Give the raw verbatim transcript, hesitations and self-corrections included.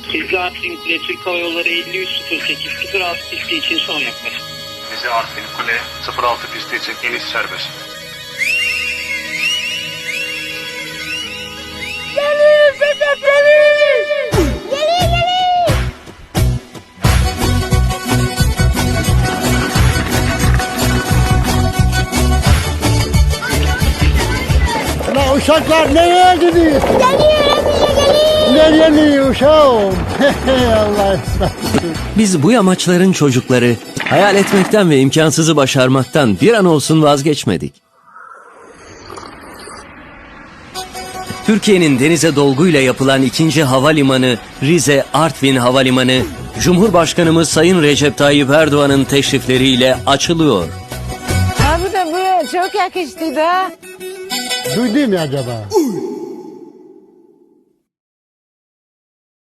Hızlı Artvin Kule Türk Hava Yolları elli üç sıfır sekiz sıfır altı pisti için son yaklaşık. Rize Artvin Kule sıfır altı pisti için iniş serbest. Geliyor Sedat, geliyor! Geliyor, geliyor! La uşaklar nereye gidiyor? Geliyor, hepsi geliyor! Nereye gidiyor uşağım? Allah ısmarladık. Biz bu yamaçların çocukları hayal etmekten ve imkansızı başarmaktan bir an olsun vazgeçmedik. Türkiye'nin denize dolguyla yapılan ikinci havalimanı Rize Artvin Havalimanı, Cumhurbaşkanımız Sayın Recep Tayyip Erdoğan'ın teşrifleriyle açılıyor. Abi de bu çok yakıştı da. Duydun mu acaba?